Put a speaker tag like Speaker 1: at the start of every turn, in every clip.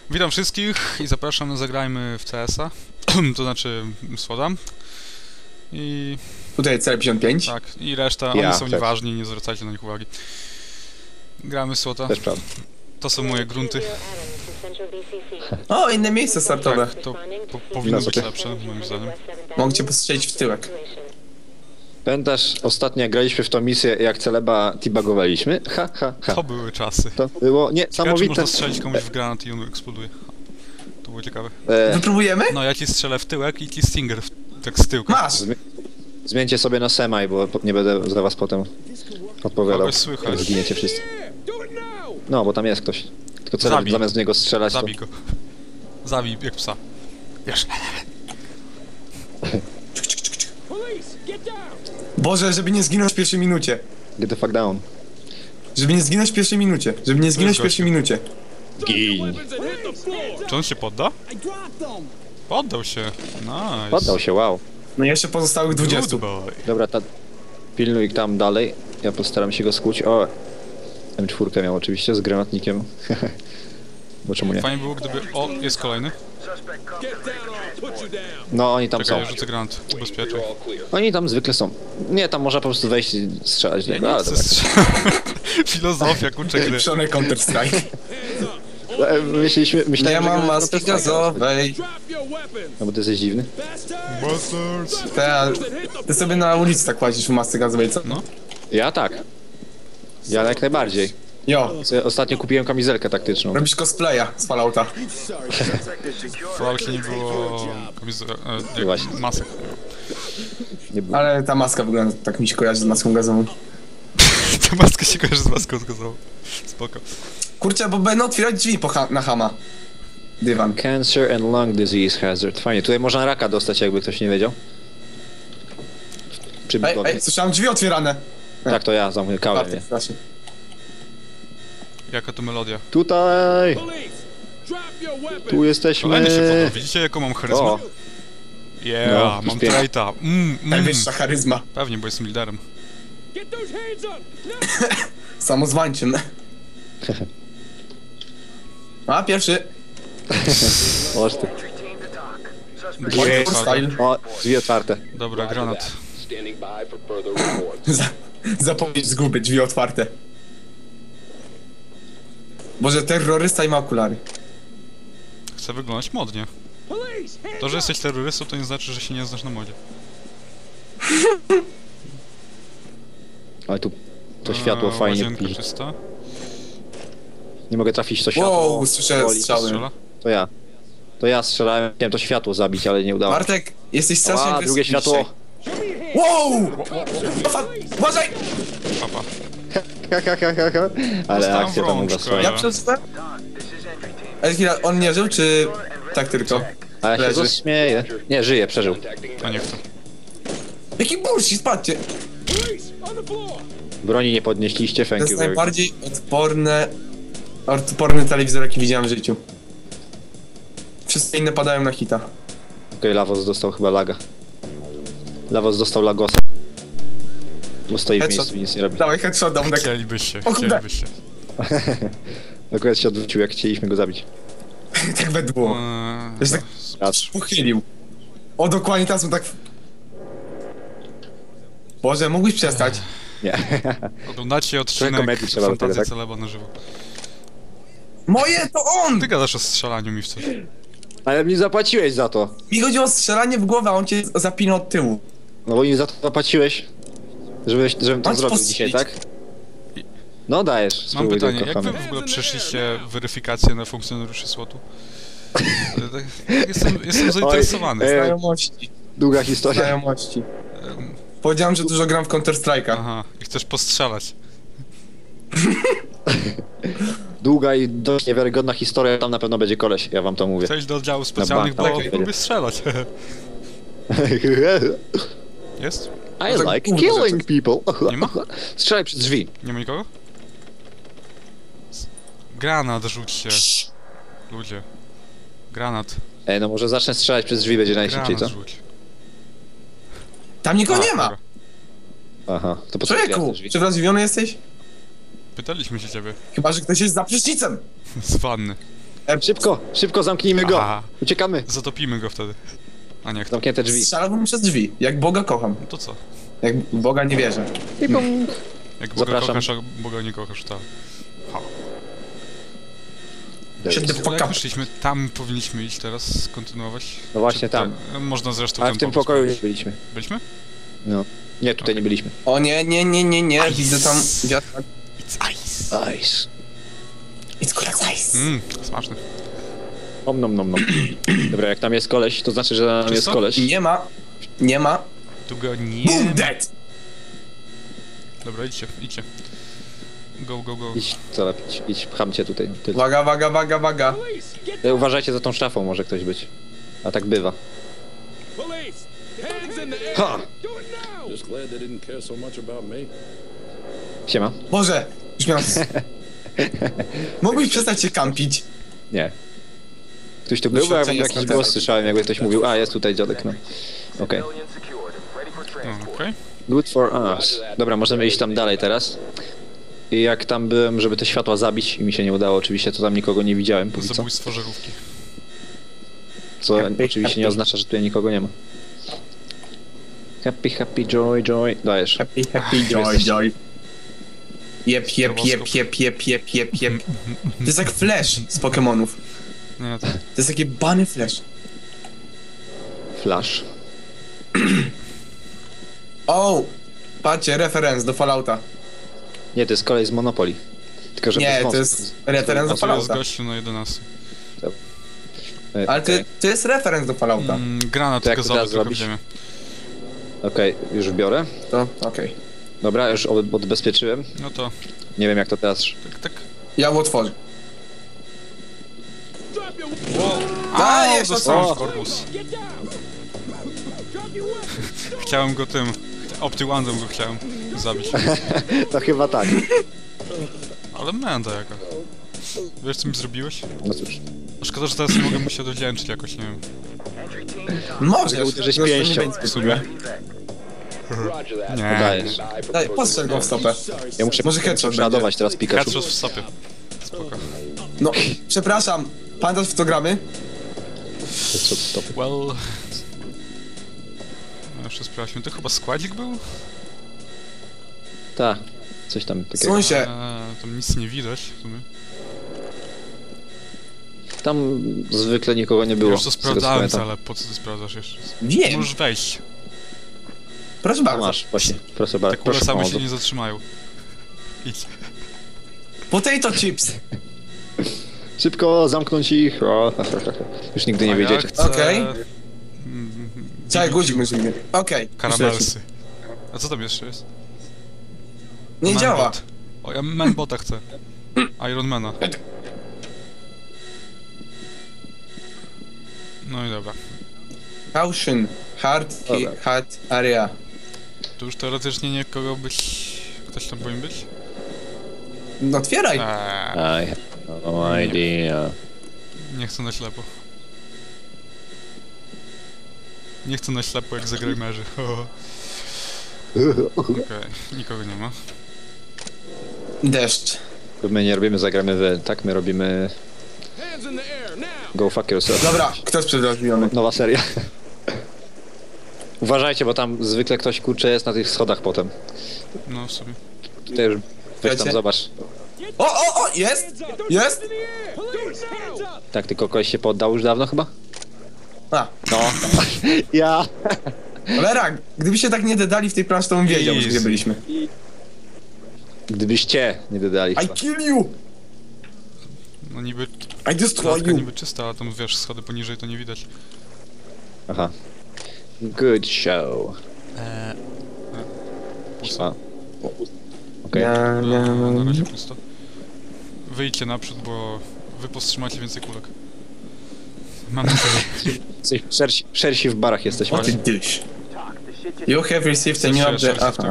Speaker 1: Witam wszystkich i zapraszam na Zagrajmy w CS-a, to znaczy SWOT-a. I...
Speaker 2: Tutaj cel 55.
Speaker 1: Tak, i reszta,
Speaker 3: Ja
Speaker 1: oni są
Speaker 3: też.
Speaker 1: nieważni, nie zwracajcie na nich uwagi. Gramy w SWOT-a,
Speaker 3: Też prawda.
Speaker 1: to są moje grunty.
Speaker 2: O, inne miejsce startowe.
Speaker 1: Tak, to powinno być
Speaker 3: sobie.
Speaker 1: lepsze, moim zdaniem.
Speaker 2: Mogę cię postrzelić w tyłek.
Speaker 3: Pamiętasz, ostatnio jak graliśmy w tą misję, jak celeba tibagowaliśmy? Ha, ha, ha.
Speaker 1: To były czasy.
Speaker 3: To było
Speaker 1: Ciekawe, czy
Speaker 3: niesamowite.
Speaker 1: można strzelić komuś w granat i on eksploduje. To było ciekawe.
Speaker 2: Wypróbujemy?
Speaker 1: No, ja ci strzelę w tyłek i ci Stinger tak z tyłka.
Speaker 2: Masz!
Speaker 3: Zmieńcie sobie na semaj, bo nie będę za was potem odpowiadał.
Speaker 1: Kogoś słychać.
Speaker 3: Zginiecie wszyscy. No, bo tam jest ktoś. Tylko celeb
Speaker 1: Zabij.
Speaker 3: zamiast w niego strzelać, to...
Speaker 1: Zabij go. Zabij jak psa. Wiesz.
Speaker 2: Boże, żeby nie zginąć w pierwszej minucie.
Speaker 3: Get the fuck down.
Speaker 2: Żeby nie zginąć w pierwszej minucie. Żeby nie zginąć w pierwszej minucie.
Speaker 3: Gin.
Speaker 1: Czy on się podda? Poddał się. Nice.
Speaker 3: Poddał się, wow.
Speaker 2: No i jeszcze pozostałych 20.
Speaker 1: Good boy.
Speaker 3: Dobra, pilnuj tam dalej. Ja postaram się go skuć. O! M4 miał oczywiście z granatnikiem. Bo czemu nie?
Speaker 1: Fajnie było, gdyby... O, jest kolejny.
Speaker 3: No, oni tam
Speaker 1: Czekaj,
Speaker 3: są.
Speaker 1: ja rzucę granat. Ubezpieczaj.
Speaker 3: Oni tam zwykle są. Nie, tam można po prostu wejść i strzelać.
Speaker 1: Ja
Speaker 3: No,
Speaker 1: nie
Speaker 3: ale
Speaker 1: chcę
Speaker 3: dobra.
Speaker 1: Filozofia, kurczę gry.
Speaker 2: Pieprzony Counter-Strike.
Speaker 3: Myślałem,
Speaker 2: Nie
Speaker 3: że
Speaker 2: mam
Speaker 3: gramy
Speaker 2: maski
Speaker 3: w Counter-Strike'a.
Speaker 2: gazowej.
Speaker 3: No bo ty jesteś dziwny.
Speaker 1: Bastards.
Speaker 2: Ty sobie na ulicy tak płacisz w masce gazowej, co?
Speaker 1: No.
Speaker 3: Ja tak. Ja jak najbardziej.
Speaker 2: Jo,
Speaker 3: Ostatnio kupiłem kamizelkę taktyczną.
Speaker 2: robisz cosplaya z Fallouta.
Speaker 1: W Falloutie nie było...
Speaker 3: Właśnie.
Speaker 1: masek.
Speaker 3: Nie było.
Speaker 2: Ale ta maska wygląda, tak mi się kojarzy z maską gazową.
Speaker 1: Ta maska się kojarzy z maską zgadzała. Spoko.
Speaker 2: Kurczę, bo będą otwierać drzwi na Hama. Dywan.
Speaker 3: Cancer and lung disease hazard. Fajnie, tutaj można raka dostać, jakby ktoś nie wiedział. Przy
Speaker 2: Ej,
Speaker 3: budowie.
Speaker 2: ej, słyszałem drzwi otwierane.
Speaker 3: Tak, to ja zamykałem
Speaker 2: Bartek,
Speaker 3: je.
Speaker 2: strasznie.
Speaker 1: Jaka to melodia?
Speaker 3: Tutaj! Tu jesteśmy!
Speaker 1: Kolejny się podoba. Widzicie jaką mam charyzmę?
Speaker 3: O,
Speaker 1: Yeah,
Speaker 3: No,
Speaker 1: mam
Speaker 3: pięknie.
Speaker 1: traita.
Speaker 2: Najwyższa charyzma.
Speaker 1: Pewnie, bo jestem liderem.
Speaker 2: Samozwańczym. A, pierwszy.
Speaker 3: oż ty.
Speaker 2: Hardcore style.
Speaker 3: O, drzwi otwarte.
Speaker 1: Dobra, granat.
Speaker 2: Zapowiedź zguby, drzwi otwarte. Boże, terrorysta i ma okulary.
Speaker 1: Chcę wyglądać modnie. To, że jesteś terrorystą, to nie znaczy, że się nie znasz na modzie.
Speaker 3: Ale tu to światło fajnie
Speaker 1: Łazienka
Speaker 3: pili.
Speaker 1: czysta.
Speaker 3: Nie mogę trafić w to światło.
Speaker 2: Wow, słyszę
Speaker 3: Boli.
Speaker 2: strzały.
Speaker 1: Strzela?
Speaker 3: To ja. To ja strzelałem, chciałem to światło zabić, ale nie udało się.
Speaker 2: Bartek, jesteś strasznie
Speaker 3: A, drugie
Speaker 2: agresywny
Speaker 3: światło.
Speaker 2: dzisiaj. Wow! Uważaj!
Speaker 1: Papa.
Speaker 3: Ale
Speaker 1: Dostałem
Speaker 3: akcja tam u was
Speaker 1: rączkę.
Speaker 3: fajna.
Speaker 2: Ja przeczytałem? Ale chwila, on nie żył, czy tak tylko?
Speaker 3: A ja się
Speaker 2: leży.
Speaker 3: zaśmieję. Nie, żyje, przeżył.
Speaker 1: A nie chcę.
Speaker 2: Jaki bullshit, patrzcie!
Speaker 3: Broni nie podnieśliście,
Speaker 2: To
Speaker 3: thank
Speaker 2: jest
Speaker 3: you very much.
Speaker 2: najbardziej odporny telewizor, jaki widziałem w życiu. Wszystkie inne padają na hita.
Speaker 3: Okej, Lavos dostał chyba laga. Lavos dostał lagosa. Bo stoi w
Speaker 2: Headshot.
Speaker 3: miejscu i nic nie robi.
Speaker 2: Dawaj headshot, dam tak.
Speaker 1: Chcielibyście,
Speaker 2: O kurde.
Speaker 1: chcielibyście.
Speaker 3: Akurat się odwrócił, jak chcieliśmy go zabić.
Speaker 2: Tak we dwóch. To się tak
Speaker 3: Raz.
Speaker 2: pochylił. O, dokładnie teraz mu tak... Boże, mógłbyś przestać?
Speaker 3: Nie.
Speaker 1: Oglądacie odcinek
Speaker 3: komedii trzeba do tego,
Speaker 1: Fantazji
Speaker 3: tak?
Speaker 1: Celeba na żywo.
Speaker 2: Moje, to on!
Speaker 1: Ty gadasz o strzelaniu mi w coś.
Speaker 3: Ale mi zapłaciłeś za to.
Speaker 2: Mi chodzi o strzelanie w głowę, a on cię zapina od tyłu.
Speaker 3: No bo mi za to zapłaciłeś. Żebym to
Speaker 2: Masz
Speaker 3: zrobił
Speaker 2: postrzelić.
Speaker 3: dzisiaj, tak? No dajesz,
Speaker 1: Mam
Speaker 3: spróbuj
Speaker 1: pytanie,
Speaker 3: tylko,
Speaker 1: jak wy
Speaker 3: kochany.
Speaker 1: w ogóle przeszliście weryfikację na funkcjonariuszy SWOT-u? Jestem zainteresowany.
Speaker 2: Znajomości.
Speaker 3: Długa historia.
Speaker 2: Znajomości. Powiedziałem, że dużo gram w Counter-Strike'a.
Speaker 1: Aha, i chcesz postrzelać.
Speaker 3: Długa i dość niewiarygodna historia, tam na pewno będzie koleś, ja wam to mówię.
Speaker 1: Chcesz do oddziału specjalnych,
Speaker 3: bank,
Speaker 1: bo
Speaker 3: tak.
Speaker 1: lubię strzelać. Jest?
Speaker 3: I
Speaker 2: tak
Speaker 3: like
Speaker 2: kurde
Speaker 3: killing people.
Speaker 1: Nie ma?
Speaker 3: Strzelaj przez drzwi.
Speaker 1: Nie ma nikogo? Granat rzućcie. Ludzie. Granat.
Speaker 3: Ej, no może zacznę strzelać przez drzwi, będzie najszybciej,
Speaker 1: Granat
Speaker 3: co?
Speaker 1: rzuć.
Speaker 2: Tam nikogo nie ma!
Speaker 1: dobra.
Speaker 3: Aha, to po co otwierasz
Speaker 2: Człowieku,
Speaker 3: te drzwi?
Speaker 2: czy wrażliwiony jesteś?
Speaker 1: Pytaliśmy się ciebie.
Speaker 2: Chyba, że ktoś jest za prysznicem!
Speaker 1: Z wanny.
Speaker 3: Szybko, szybko zamknijmy go!
Speaker 1: Aha.
Speaker 3: Uciekamy!
Speaker 1: Zatopimy go wtedy. A nie, kto?
Speaker 3: Zamknięte drzwi.
Speaker 2: Strzelałbym przez drzwi. Jak Boga kocham.
Speaker 1: No to co?
Speaker 2: Jak Boga nie wierzę.
Speaker 3: I bum.
Speaker 1: Jak Boga
Speaker 3: Zapraszam.
Speaker 1: kochasz, a Boga nie kochasz, tak. Ha.
Speaker 2: Shut the
Speaker 1: Jak
Speaker 2: fuck up.
Speaker 1: wyszliśmy, tam powinniśmy iść teraz, kontynuować.
Speaker 3: No właśnie
Speaker 1: Czy
Speaker 3: tam.
Speaker 1: Można zresztą
Speaker 3: Ale
Speaker 1: ten
Speaker 3: w tym
Speaker 1: pomysł
Speaker 3: pokoju nie
Speaker 1: powiedzieć.
Speaker 3: byliśmy.
Speaker 1: Byliśmy?
Speaker 3: No. Nie, tutaj nie byliśmy.
Speaker 2: O nie, nie, nie, nie, nie. Widzę tam wiatrak.
Speaker 1: It's ice.
Speaker 3: Ice.
Speaker 2: It's cold as ice.
Speaker 1: Smaczny.
Speaker 3: Om nom nom nom. Dobra, jak tam jest koleś, to znaczy, że tam jest
Speaker 1: Czysto?
Speaker 3: koleś.
Speaker 2: Nie ma. Nie ma.
Speaker 1: Tu go nie
Speaker 2: Boom
Speaker 1: ma.
Speaker 2: dead!
Speaker 1: Dobra, idźcie, idźcie. Go, go, go.
Speaker 3: Idź, co lepić, idź, pcham cię tutaj. Ty.
Speaker 2: Waga, waga, waga, waga.
Speaker 3: Uważajcie za tą szafą, może ktoś być. A tak bywa. Ha!
Speaker 4: Just glad they didn't care so much about me.
Speaker 3: Siema.
Speaker 2: Boże! Już miałem... Mógłbyś przestać się kampić?
Speaker 3: Nie. Ktoś tu był, bo ja
Speaker 2: Doświadczenie
Speaker 3: jakiś
Speaker 2: skąd
Speaker 3: głos
Speaker 2: teraz?
Speaker 3: słyszałem, jakby ktoś mówił, a jest tutaj dziadek, no. Okej.
Speaker 1: No, okej.
Speaker 3: Good for us. Dobra, możemy iść tam dalej teraz. I jak tam byłem, żeby te światła zabić i mi się nie udało oczywiście, to tam nikogo nie widziałem póki co.
Speaker 1: Zabójstwo żarówki.
Speaker 3: Co
Speaker 2: Happy,
Speaker 3: oczywiście nie
Speaker 2: happy.
Speaker 3: oznacza, że tutaj nikogo nie ma. Happy, happy, joy, joy. Dajesz.
Speaker 2: Happy, happy, joy, joy. Jep, jep, jep, jep, jep, jep, jep, jep. To jest jak Flash z Pokemonów.
Speaker 1: Nie, to...
Speaker 2: To jest taki bany Flash.
Speaker 3: Flash.
Speaker 2: O! Patrzcie, referenc do Fallouta.
Speaker 3: Nie, to jest kolej z Monopoly. Tylko, że
Speaker 2: Nie,
Speaker 3: bez
Speaker 2: to
Speaker 3: mostu.
Speaker 2: jest referenc do
Speaker 1: To jest
Speaker 2: Fallouta.
Speaker 1: gościu na 11.
Speaker 2: Ale
Speaker 3: Okej,
Speaker 2: to jest referenc do Fallouta.
Speaker 1: Granat
Speaker 3: To jak to
Speaker 1: gazowy
Speaker 3: teraz
Speaker 1: trochę w
Speaker 3: zrobić?
Speaker 1: ziemię.
Speaker 3: Okej, już biorę.
Speaker 2: To okej.
Speaker 3: Dobra, już odbezpieczyłem.
Speaker 1: No to,
Speaker 3: Nie wiem jak to teraz.
Speaker 1: tak.
Speaker 2: Ja otworzę.
Speaker 1: A,
Speaker 2: jeszcze
Speaker 1: dostałem
Speaker 3: co?
Speaker 1: w korpus. Chciałem go tym... Opty-Wandem go chciałem zabić.
Speaker 3: To chyba tak.
Speaker 1: Ale menda jaka. Wiesz co mi zrobiłeś?
Speaker 3: No cóż.
Speaker 1: A szkoda, że teraz nie mogę mu się dowdzięczyć jakoś, nie wiem.
Speaker 2: Możesz,
Speaker 3: uderzyć
Speaker 2: tylko
Speaker 3: pięścią.
Speaker 2: nie będzie
Speaker 1: W sumie. Nie.
Speaker 3: Dajesz.
Speaker 2: Daj, postrzel go w stopę.
Speaker 3: Ja muszę
Speaker 2: Może headshot
Speaker 3: przeładować teraz Pikachu.
Speaker 1: Headshot w stopie. Spoko.
Speaker 2: No, przepraszam. Pamiętasz w co gramy?
Speaker 3: Headshot stopy.
Speaker 1: Well... No jeszcze sprawdźmy, to chyba składzik był?
Speaker 3: Tak. Coś tam takiego.
Speaker 2: Słońce.
Speaker 1: Tam nic nie widać w sumie.
Speaker 3: Tam zwykle nikogo nie było.
Speaker 1: Już to
Speaker 3: z tego, co
Speaker 1: sprawdzałem,
Speaker 3: pamiętam.
Speaker 1: ale po co ty sprawdzasz jeszcze?
Speaker 2: Wiem.
Speaker 1: Możesz wejść.
Speaker 2: Proszę
Speaker 3: To
Speaker 2: bardzo.
Speaker 3: masz, właśnie. Proszę
Speaker 1: Te
Speaker 3: bardzo.
Speaker 1: kule
Speaker 3: Proszę
Speaker 1: same się
Speaker 3: pomocy.
Speaker 1: nie zatrzymają. Idź.
Speaker 2: Potato chips.
Speaker 3: Szybko zamknąć ich. O, już nigdy nie
Speaker 1: A ja
Speaker 3: wyjdziecie.
Speaker 1: chcę-
Speaker 2: Okej.
Speaker 1: Mm,
Speaker 2: Czekaj, guzik musimy. Okej.
Speaker 1: Karamelsy. A co tam jeszcze jest?
Speaker 2: Nie
Speaker 1: Manbot.
Speaker 2: działa.
Speaker 1: O, ja Manbota chcę. Ironmana. No i dobra.
Speaker 2: Caution. Hard,
Speaker 3: Dobra.
Speaker 2: hard area.
Speaker 1: Tu już teoretycznie nie kogo być... Ktoś tam powinien być?
Speaker 2: No otwieraj.
Speaker 3: I have no idea.
Speaker 1: Nie chcę na ślepo. Nie chcę na ślepo jak zagrajmerzy. Okej, nikogo nie ma.
Speaker 2: Deszcz.
Speaker 3: My nie robimy zagramy wy, tak? My robimy
Speaker 4: Hands in the air now!
Speaker 3: Go Fuck Yourself.
Speaker 2: Dobra, kto jest przedrożbiony?
Speaker 3: Nowa seria. Uważajcie, bo tam zwykle ktoś kurczę jest na tych schodach potem.
Speaker 1: No w sumie.
Speaker 3: Tutaj już weź tam
Speaker 2: Wiecie?
Speaker 3: zobacz.
Speaker 2: O, jest! Jest!
Speaker 4: Police, hands up!
Speaker 3: Tak, tylko koleś się poddał już dawno chyba?
Speaker 2: A,
Speaker 3: No. Ja.
Speaker 2: cholera, gdybyście tak nie dodali w tej planszy, to bym wiedział,
Speaker 1: Easy.
Speaker 2: gdzie byliśmy.
Speaker 3: Gdybyście nie dodali
Speaker 2: I
Speaker 3: chyba.
Speaker 2: kill you!
Speaker 1: No niby...
Speaker 2: I destroy
Speaker 1: Klatka
Speaker 2: you!
Speaker 1: niby czysta, ale tam wiesz, schody poniżej to nie widać.
Speaker 3: Aha. Good show.
Speaker 1: Pusto.
Speaker 3: A. Okej.
Speaker 1: Na razie pusto. Wyjdźcie naprzód, bo wy powstrzymacie więcej kulek. Mam nadzieję.
Speaker 3: Jesteś szersi w barach jesteśmy.
Speaker 2: What a dish. You have received a new update. Aha.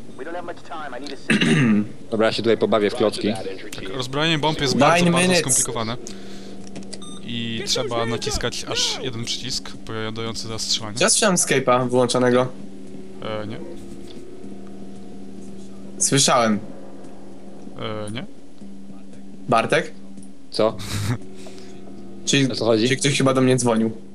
Speaker 3: Dobra, ja się tutaj pobawię w klocki.
Speaker 1: Tak, rozbrojenie bomb jest
Speaker 2: 9
Speaker 1: bardzo, bardzo
Speaker 2: minutes.
Speaker 1: skomplikowane. I trzeba naciskać aż jeden przycisk powiadający zastrzelanie.
Speaker 2: Ja słyszałem Skype'a wyłączonego.
Speaker 1: Nie?
Speaker 2: Słyszałem.
Speaker 1: Nie?
Speaker 3: No
Speaker 2: Bartek?
Speaker 3: Co?
Speaker 2: Czyli,
Speaker 3: O co chodzi?
Speaker 2: czyli ktoś chyba do mnie dzwonił.